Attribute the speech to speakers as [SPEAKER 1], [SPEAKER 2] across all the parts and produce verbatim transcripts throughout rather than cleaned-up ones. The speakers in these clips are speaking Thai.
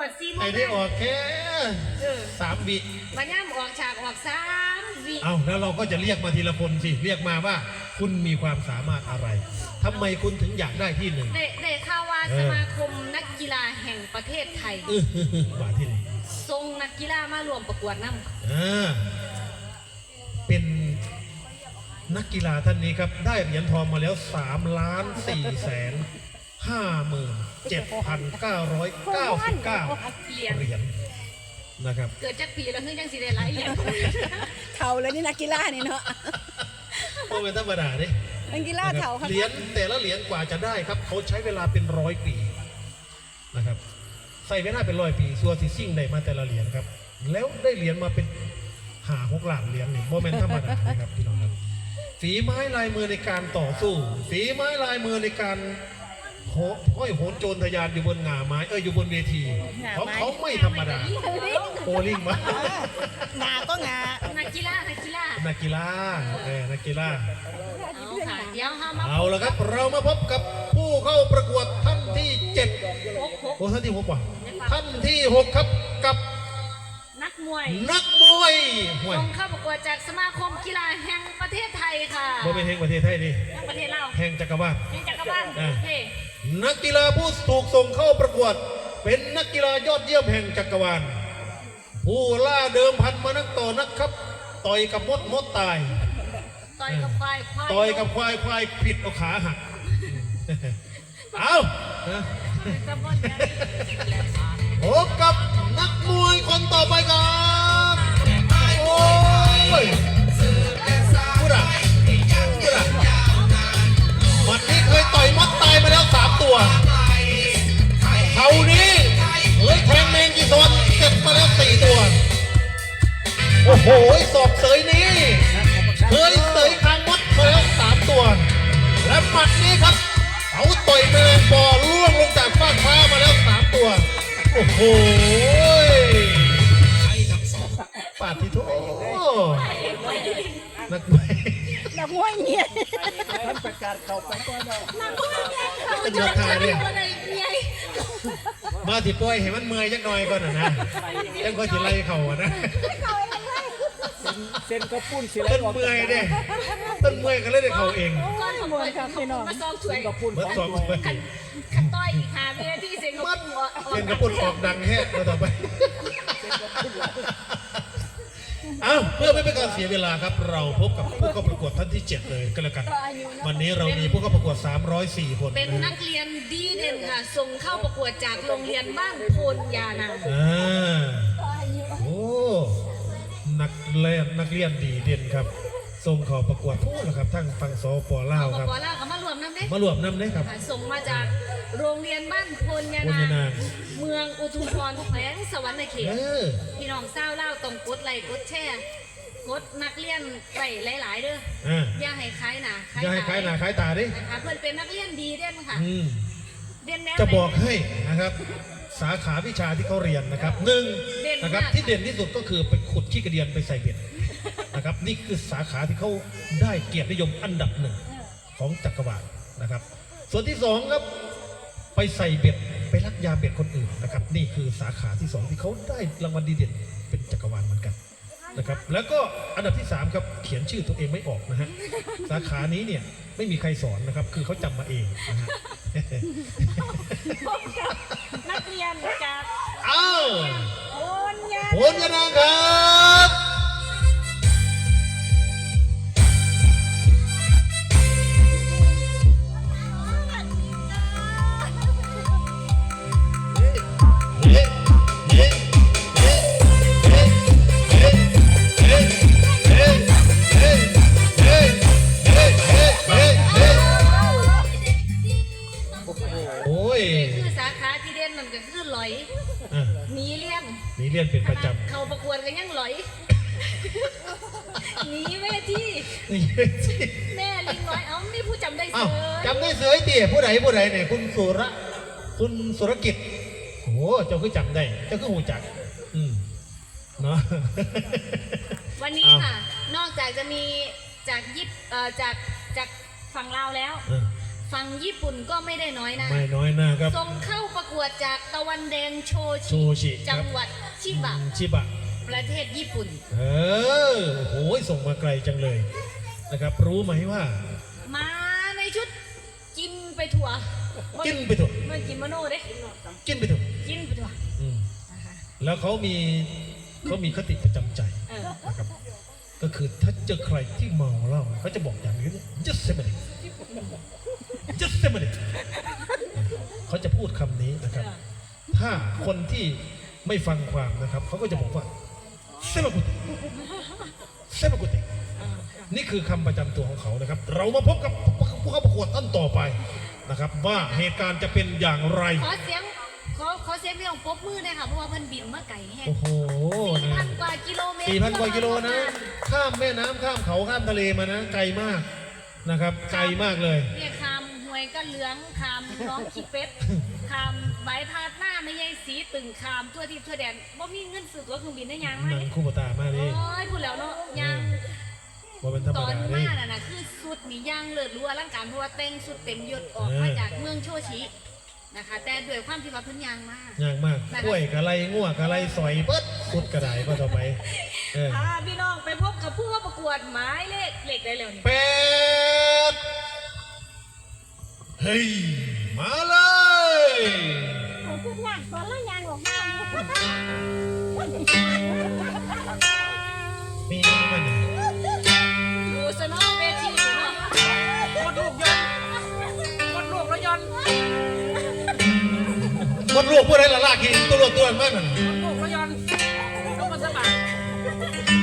[SPEAKER 1] ดซีโม
[SPEAKER 2] ไอ้ได้ออกแค่สามวิ
[SPEAKER 1] มาย่ำออกฉากออกสามวิ
[SPEAKER 2] เอาแล้วเราก็จะเรียกมาทีละคนสิเรียกมาว่าคุณมีความสามารถอะไรทำไมคุณถึงอยากได้ที่หนึ่ง
[SPEAKER 1] เด็กข่าวว่าสมาคมนักกีฬาแห่งประเทศไทย
[SPEAKER 2] บาที่ไหน
[SPEAKER 1] ทรงนักกีฬามารวมประกวดน้ำ
[SPEAKER 2] อ่าเป็นนักกีฬาท่านนี้ครับได้เหรียญทองมาแล้วสามล้านสี่แสนห้าหมื่นเจ็ดพันเก้าร้อยเก้าสิบเก้าเหรียญนะครับ
[SPEAKER 1] เกิดจากปีแล้วเพิ่งยังสิได้หลายเหรียญ
[SPEAKER 3] เท่าเลยนี่นักกีฬานี่เนาะ
[SPEAKER 2] โอ้เป็นธรรมดาดิ
[SPEAKER 3] นักกีฬาเท่า
[SPEAKER 2] เหรียญแต่ละเหรียญกว่าจะได้ครับเขาใช้เวลาเป็นร้อยปีนะครับใส่เวลาเป็นร้อยปีซัวซิซิ่งได้มาแต่ละเหรียญครับแล้วได้เหรียญมาเป็นหาหกหลังเหรียญนี่โมเมนต์ธรรมดานะครับพี่น้องครับฝีไม้ลายมือในการต่อสู้ฝีไม้ลายมือในการห้อยโหนโจรทะยานอยู่บนหงาไม้เอออยู่บนเวทีเพราะเขาไม่ธรรมดาโอลิงมา
[SPEAKER 3] หงาก็หงา
[SPEAKER 1] นักกีฬานักกีฬา
[SPEAKER 2] นักกีฬาเออนักกีฬา
[SPEAKER 1] เอาค่ะเดี๋ยวห้ามา
[SPEAKER 2] เอาละครับเรามาพบกับผู้เข้าประกวดท่านที่เจ็ดโอ้ท่านที่หกว่ะท่านที่หกครับกับ
[SPEAKER 1] นักมวย
[SPEAKER 2] นักมวย
[SPEAKER 1] ส่งเข้าประกวดจากสมาคมกีฬาแห่งประเทศไทยค่ะ
[SPEAKER 2] บ่เป็นแห่งประเทศไทยดิ
[SPEAKER 1] แห่งประเทศเรา
[SPEAKER 2] แห่งจักรวาล
[SPEAKER 1] แห่งจักรวาล
[SPEAKER 2] นักกีฬาผู้ถูกส่งเข้าประกวดเป็นนักกีฬายอดเยี่ยมแห่งจักรวาลผู้ล่าเดิมพันมานักต่อนักครับต่อยกับมดมดตาย
[SPEAKER 1] ต่อยกับควายควาย
[SPEAKER 2] ต่อยกับควายควายผิดเอาขาหักเอาพบกับนักมวยคนต่อไปครับโอ้ยพูดอะพูดอะวันนี้เคยต่อยมดตายมาแล้วสามตัวเขานี้เคยแทงแมงกีซอนเจ็บมาแล้วสี่ตัวโอ้โหสอบเสยนี้เคยเสยคางมดมาแล้วสามตัวและหมัดนี้ครับเขาต่อยแมลงปอล่วงลงจากฟากฟ้ามาแล้วสามตัวโอ้โหปาดที่โถนักมวย
[SPEAKER 3] นักมวยเนี่ย
[SPEAKER 4] ท่านประกาศเขาไปก่อนเลย
[SPEAKER 1] นักมวยเนี่ยเขาจะทำอะไร
[SPEAKER 2] มาที่ป่วยเห็นมันเมื่อยจักหน่อยก่อนนะนะยังก็จะไล่เข่านะ
[SPEAKER 4] เส้นก็ปุ้นสิ
[SPEAKER 2] ต้นเมื่อยเนี่ยต้นเมื่อยก็เลยได้เข่าเอง
[SPEAKER 1] ก้อนของมวยครับพี่น้องมาซองช่วย
[SPEAKER 4] กับปุ้น
[SPEAKER 2] สอง
[SPEAKER 1] ขันต้อยอีกหาเมียที่เซ็นกับปุ้น
[SPEAKER 2] เซ็นกับปุ้นออกดังแฮ่ต่อไปเอาเพื่อไม่เป็นการเสียเวลาครับเราพบกับผู้เข้าประกวดท่านที่เจ็ดเลยก็แล้วกันวันนี้เรามีผู้เข้าประกวดสามร้อยสี่คน
[SPEAKER 1] เป็นนักเรียนดีเด่นค่ะส่งเข้าประกวดจากโรงเรียนบ้านโพนยานา
[SPEAKER 2] อ่าโอ้นักเรียนนักเรียนดีเด่นครับส่งเข้าประกวดพูดแล้วครับทั้งฟังสปลาวครับ
[SPEAKER 1] สปลาวก็มารวมน้ำเด้
[SPEAKER 2] มารวมน้ำเด้ครับ
[SPEAKER 1] ส่งมาจากโรงเรียนบ้านโพนยานาเมืองอุทุมพรแขวงสวรรค์เขตพี่น้องเศร้าเล่าตรงกดไลค์กดแชร์กดนักเรียนไปหลายๆเด้ออย่าให้คล้ายหนา
[SPEAKER 2] อย่าให้คล้ายหนาคล้ายตาดิ
[SPEAKER 1] เพื่อนเป็นนักเรียนดีเด่นค่ะ
[SPEAKER 2] เด่นแน่จะบอกให้นะครับสาขาวิชาที่เขาเรียนนะครับหนึ่งนะครับที่เด่นที่สุดก็คือไปขุดขี้กระเดียนไปใส่เบ็ดนะครับนี่คือสาขาที่เขาได้เกียรตินิยมอันดับหนึ่งของจักรวาลนะครับส่วนที่สองครับไปใส่เบ็ดไปลักยาเบ็ดคนอื่นนะครับนี่คือสาขาที่สองที่เขาได้รางวัลดีเด่นเป็นจักรวาลเหมือนกันนะครับแล้วก็อันดับที่สามครับเขียนชื่อตัวเองไม่ออกนะฮะสาขานี้เนี่ยไม่มีใครสอนนะครับคือเขาจำมาเองนะฮะ
[SPEAKER 1] นักเรียนจาก
[SPEAKER 2] อ้าว
[SPEAKER 1] โพนยา
[SPEAKER 2] โพนยานาครับหนีเรียนเป็นประจำ
[SPEAKER 1] เขาประกวดกันยังหลอยหนีเวทีแม่ลิงน้อยเอ้านี่ผู้จำได้เสือ
[SPEAKER 2] จำได้เสือไอ้เตี๋ยผู้ใดผู้ใดเนี่ยคุณสุระคุณสุรกิจโอ้เจ้าคือจำได้เจ้าคือหูจักอืมเนาะ
[SPEAKER 1] วันนี้ค่ะนอกจากจะมีจากยิปจากจากฝั่งลาวแล้วฝั่งญี่ปุ่นก็ไม่ได้น้อยนะ
[SPEAKER 2] ไม่น้อยหน้าครับ
[SPEAKER 1] ส่งเข้าประกวดจากตะวันแดงโช
[SPEAKER 2] โชชิครับ
[SPEAKER 1] จังหวัดชิบะ
[SPEAKER 2] ชิบะ
[SPEAKER 1] ประเทศญี่ปุ่น
[SPEAKER 2] เออโอ้โหส่งมาไกลจังเลยนะครับรู้ไหมว่า
[SPEAKER 1] มาในชุดกินไปทั่ว
[SPEAKER 2] กินไปเถอะ
[SPEAKER 1] เมื่อกินมโนเด้
[SPEAKER 2] กินไปเถอะ
[SPEAKER 1] กินไปทั่ว
[SPEAKER 2] อืม
[SPEAKER 1] นะคะ
[SPEAKER 2] แล้วเขามีเขามีคติประจำใจ
[SPEAKER 1] เออ
[SPEAKER 2] นะครับก็คือถ้าเจอใครที่เมาเหล้าเขาจะบอกอย่างนี้ just a minute just a minute เขาจะพูดคำนี้นะครับ ถ้าคนที่ไม่ฟังความนะครับเขาก็จะบอกว่าเซบากุเตเซบากุเตนี่คือคำประจำตัวของเขานะครับ เรามาพบกับผู้เข้าประกวดท่านต่อไปนะครับ ว่าเหตุการณ์จะเป็นอย่างไร
[SPEAKER 1] ขอเสียงขอขอเสียงพี่ของปรบมือเลยค่ะเพราะว่าเพิ่นบินมาไก่แห้ง
[SPEAKER 2] โอ้โห
[SPEAKER 1] สี่
[SPEAKER 2] นะ
[SPEAKER 1] พันกว่ากิโลเมตร
[SPEAKER 2] สี่พันกว่ากิโลนะ ข้ามแม่น้ำข้ามเขาข้ามทะเลมานะไกลมากนะครับ ไกลมากเลย
[SPEAKER 1] เนี่ยคำหวยก็เหลืองคำน้องขี้เป็ดคำใบพาดหน้าไม่ใช่สีตึงคำทั่วทิพย์ทั่วแดนบ่มีเงินซื้อตั๋วเครื่องบินได้ยังไหม
[SPEAKER 2] หนังคู่ปตามากดิ
[SPEAKER 1] โอ้ยพูดแล้วเนาะยัง
[SPEAKER 2] ว่าเป็นธรรม
[SPEAKER 1] ตอน
[SPEAKER 2] ดาดิ
[SPEAKER 1] มาน่ะนะคือสุดนี่ย่างเลิศรู้อลังการเพราะว่าแต่งสุดเต็มยศออกมาจากเมืองโชชินะคะ แต่ด้วยความที่ว่าเพิ่นยางมาก
[SPEAKER 2] ยากมากกล้วยกะไรง่วกะไรสอยเบิดสุดกระไดก็ต่อไปเออ
[SPEAKER 1] พาพี่น้องไปพบกับผู้เข้าประกวดหมายเลขเลขได้แล้วนี่
[SPEAKER 2] แปดเฮ้ยมาเลย
[SPEAKER 3] พูดยากตอนละยางออกมา
[SPEAKER 2] มีมัน
[SPEAKER 1] ดูสนองเวทีอยู่เนาะ
[SPEAKER 4] กดลูกยนต์กดลูกแล้วยนต์
[SPEAKER 2] คนลูกพูดอะไรล่ะลากกินตัวลูกตัวมันมัน
[SPEAKER 4] กดลูกแล้วยนต์ต้องมาสมัคร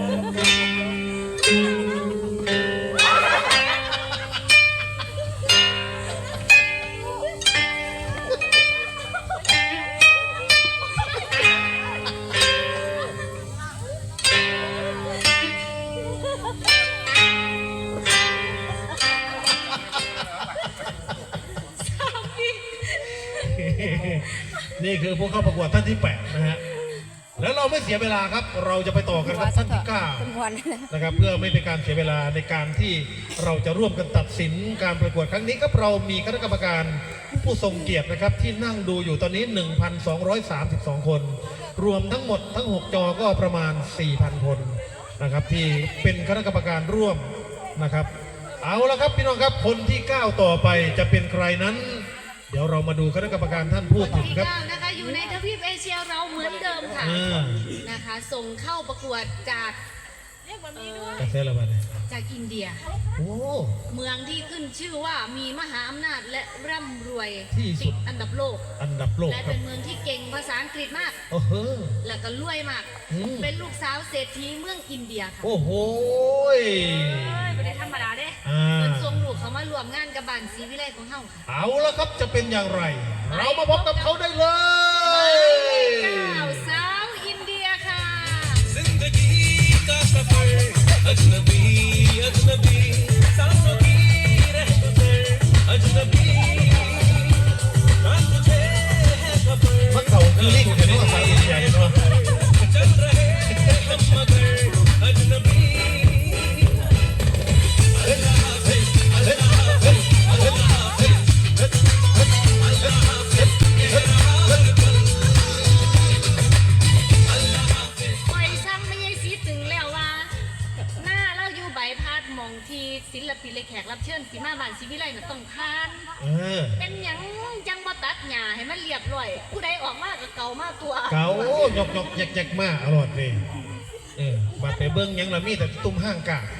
[SPEAKER 2] นี่คือผู้เข้าประกวดท่านที่แปดนะฮะแล้วเราไม่เสียเวลาครับ เราจะไปต่อกันครับท่านที่เก้า
[SPEAKER 3] เป็นวัน
[SPEAKER 2] นะครับเพื่อไม่เป็นการเสียเวลาในการที่เราจะร่วมกันตัดสินการประกวดครั้งนี้ครับเรามีคณะกรรมการผู้ทรงเกียรตินะครับที่นั่งดูอยู่ตอนนี้ หนึ่งพันสองร้อยสามสิบสอง คน รวมทั้งหมดทั้งหกจอก็ประมาณ สี่พัน คนนะครับที่เป็นคณะกรรมการร่วมนะครับเอาละครับพี่น้องครับคนที่เก้าต่อไปจะเป็นใครนั้น เดี๋ยวเรามาดูคณะกรรมการท่านพูดถึง
[SPEAKER 1] ที่
[SPEAKER 2] ครับ
[SPEAKER 1] เก้านะคะอยู่ในทวีปเอเชียเราเหมือนเดิมค่ะ
[SPEAKER 2] อ่า
[SPEAKER 1] นะคะส่งเข้าประกวดจากเอ่อก
[SPEAKER 2] าแฟละบาทเนี่ย
[SPEAKER 1] จากอินเดีย
[SPEAKER 2] โอ้
[SPEAKER 1] เมืองที่ขึ้นชื่อว่ามีมหาอำนาจและร่ำรวย
[SPEAKER 2] ที่สุด
[SPEAKER 1] ติดอันดับโลก
[SPEAKER 2] อันดับโลก
[SPEAKER 1] และ
[SPEAKER 2] ครั
[SPEAKER 1] เป็
[SPEAKER 2] บ
[SPEAKER 1] นเมืองที่เก่งภาษาอังกฤษมาก
[SPEAKER 2] โอ้โห
[SPEAKER 1] แล้วก็รวยมาก
[SPEAKER 2] อืม
[SPEAKER 1] เป็นลูกสาวเศรษฐีเมืองอินเดียค่ะ
[SPEAKER 2] โอ้โหย
[SPEAKER 1] เอ้ยไม่ได้ธรรมดาเด้
[SPEAKER 2] อ่า
[SPEAKER 1] เป็นทรงลูกเขามารวมงานกับบ้านศรีวิไลของเฮาค่ะ
[SPEAKER 2] เอาละครับจะเป็นอย่างไร เรามาพบกับเขาได้เล
[SPEAKER 1] หมาย
[SPEAKER 2] ย
[SPEAKER 1] เลขเก้าสาวอินเดียค่ะ
[SPEAKER 5] जिंदगी का सफर अजनबी अजनबी सांसों की रहमतें अजनबी ना तुझे है खबर
[SPEAKER 2] มันเขาคือลิงเห็นว่าสาวอินเดียเห็นว่า
[SPEAKER 5] चल रहे हम मगर अजनबी
[SPEAKER 1] ปล่อยช่างไม่ใช่สีตึงแล้วว่า หน้าเราอยู่ใบพัดมองทีศิลปินเลยแขกรับเชิญสีมาบ้านศรีวิไลน่ะต้องทาน
[SPEAKER 2] เออ
[SPEAKER 1] เป็นหยังจังบ่ตัดหญ้าให้มันเรียบร้อย ผู้ใดออกมาก็เก่ามากตัว
[SPEAKER 2] เก๋ายกยกแยกแยกมาอร่อยเลยเออบัดไปเบิ้งหยังละมีแต่ตุ้มห้างกา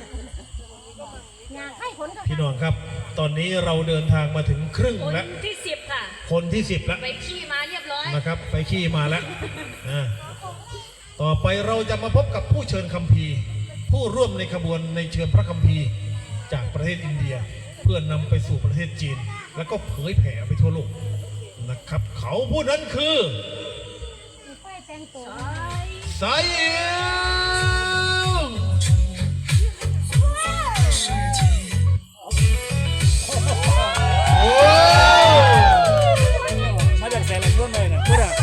[SPEAKER 3] อยากให้ผลก็
[SPEAKER 2] พี่น้องครับ ตอนนี้เราเดินทางมาถึงครึ่ง
[SPEAKER 1] คน
[SPEAKER 2] แล้ว
[SPEAKER 1] ที่สิบค่ะ
[SPEAKER 2] คนที่สิบแล้ว
[SPEAKER 1] ไปขี่มาเรียบร้อย
[SPEAKER 2] นะครับ ไปขี้มาแล้วอ่าต่อไปเราจะมาพบกับผู้เชิญคัมภีร์ ผู้ร่วมในขบวนในเชิญพระคัมภีร์ จากประเทศอินเดีย เพื่อนำไปสู่ประเทศจีน แล้วก็เผยแผ่ไปทั่วโลกนะครับ เขาผู้นั้นคือ
[SPEAKER 3] ไฟแต่งตัว
[SPEAKER 2] ไซเอลโอ้
[SPEAKER 4] มาจากแสนแหลมร่วมเลยนะพูดอ่ะ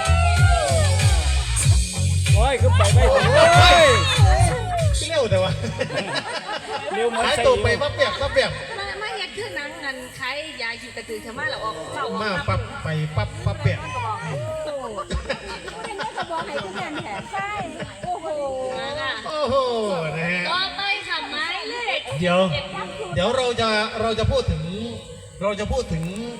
[SPEAKER 4] โอ้ยคือไปไม่ถึงเลย
[SPEAKER 2] ที่เร็วแต่ว่า
[SPEAKER 4] เร็วเหมือน
[SPEAKER 2] หาย
[SPEAKER 4] ใส่
[SPEAKER 2] ตัวไปปั๊บเปียกปั๊บเปียก
[SPEAKER 1] มามาเฮ็ดคือหนังงันใครยาอยู่กระตือเขามาแล้วออกเฝ้าออก
[SPEAKER 2] มาปั๊บไปปั๊บปั๊บเปียก
[SPEAKER 1] มันก็บอกให้
[SPEAKER 3] เป็นแม่ก็บอกให้ทุกอย่างแถมใช่โอ้โห
[SPEAKER 1] มาค่ะ
[SPEAKER 2] โอ้โหนะฮะ
[SPEAKER 1] ต่อไปค่ะไม้เลข
[SPEAKER 2] เดี๋ยว เดี๋ยวเราจะเราจะพูดถึง เราจะพูดถึง